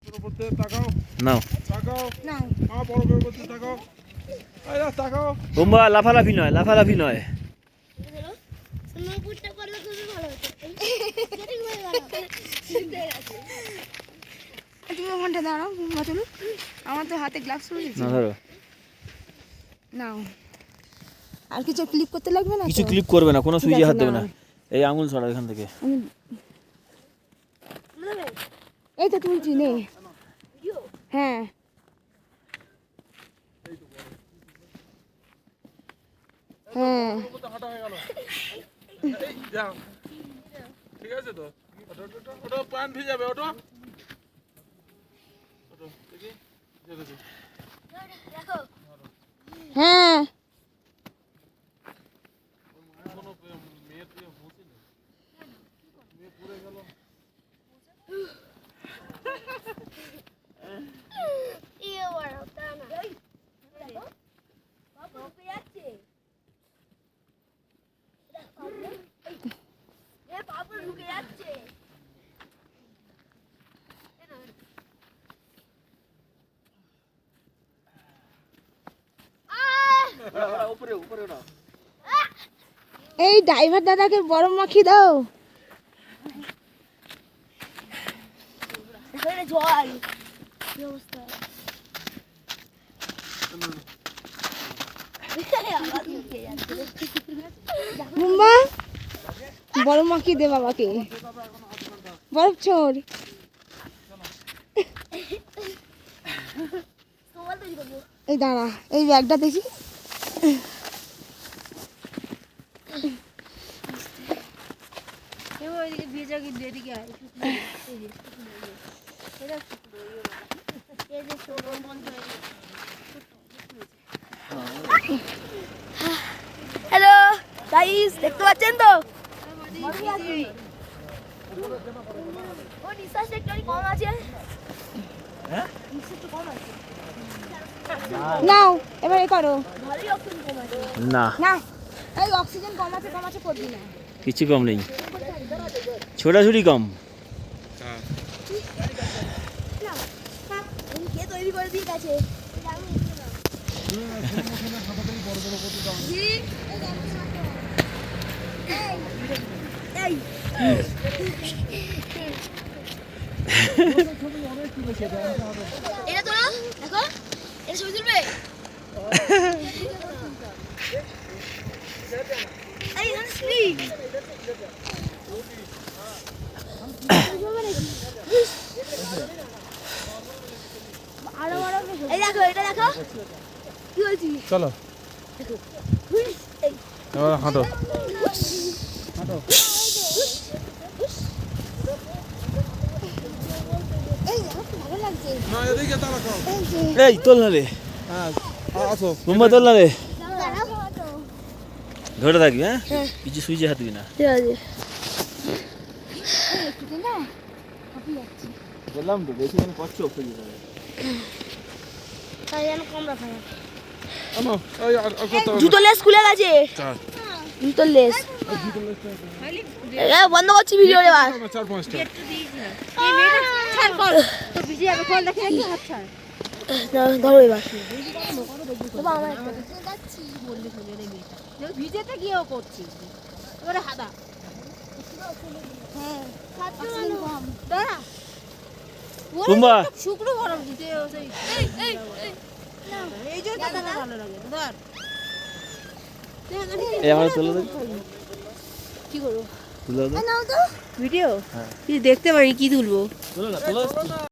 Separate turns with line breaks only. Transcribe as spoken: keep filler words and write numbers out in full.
নাও বোম্বা লাফালাফি নয় লাফালাফি নয়
তুমি ওখানটা দাঁড়াও চলো আমার তো হাতে গ্লাভস রয়েছে
না ধরো
নাও আর কিছু ক্লিপ করতে লাগবে না
কিছু ক্লিপ করবে না কোনো সুইচে হাত দেবে না এই আঙুল ছড়া এখান থেকে
এই তো তুলছি নে হ্যাঁ হ্যাঁ
ঠিক আছে তো ওটা পান ভিজাবে ওটা
হ্যাঁ এই ড্রাইভার দাদাকে বরফ মাখিয়ে দাও জল কি অবস্থা মুম্বা বরফ মাখিয়ে দে বাবাকে বরফ ছোড় এই দাঁড়া এই ব্যাগটা দেখি হ্যালো গাইস দেখতে পাচ্ছেন তো ও নিঃশ্বাস একটু কম আছে হ্যাঁ নিঃশ্বাস কম আছে নাও এবারে করো ভালোই অক্সিজেন কম আছে
না
না এই অক্সিজেন কম আছে কম আছে করবি না
কিছু কম নেই ছোটাছুটি কম
হ্যাঁ
এই কে তৈরি করে দিয়ে গেছে এটা তো দেখো এটা ছবি তুলবে এই স্ক্রিন আরো বড় এই দেখো এটা দেখো কি হয়েছে
চলো এবার হাঁটো হাঁটো
এই দেখো ভালো লাগছে
না এদিকে তাকাও
এই তোল না রে
হ্যাঁ আসো
বোম্বা তোল না রে
দাঁড়াও
ধরে থাকবি হ্যাঁ কিছু সুইচে হাত দিবি না
ঠিক আছে একটু না কপি যাচ্ছে
বললাম তো বেশি দিন করছো ফেলি যাবে
তাই যেন কম রাখা যায়
আমো এই আর কত
জুতো লেস খুলে গেছে
চার
জুতো লেস এ বন্ধ করছি ভিডিও এবার
চার পাঁচটা
এই মেয়েটা ছাড় কর তো ভিডিও এবার কল দেখে নাকি হাত ছাড় ধরো এবার বাবা আমার যাচ্ছি বললি খুলে রে মেয়েটা ভিজেতে গিয়েও করছি এবারে হাদা হ্যাঁ ছাত্র কম দাঁড়া
বোম্বা
শুকনো গরম দিতে এই এই না এই যে দাদা ভালো লাগে ধর
এই আমার তোলো দে
কি করব
তুলো দাও
নাও তো ভিডিও কি দেখতে পারি কি তুলবো
তোলো না তোলো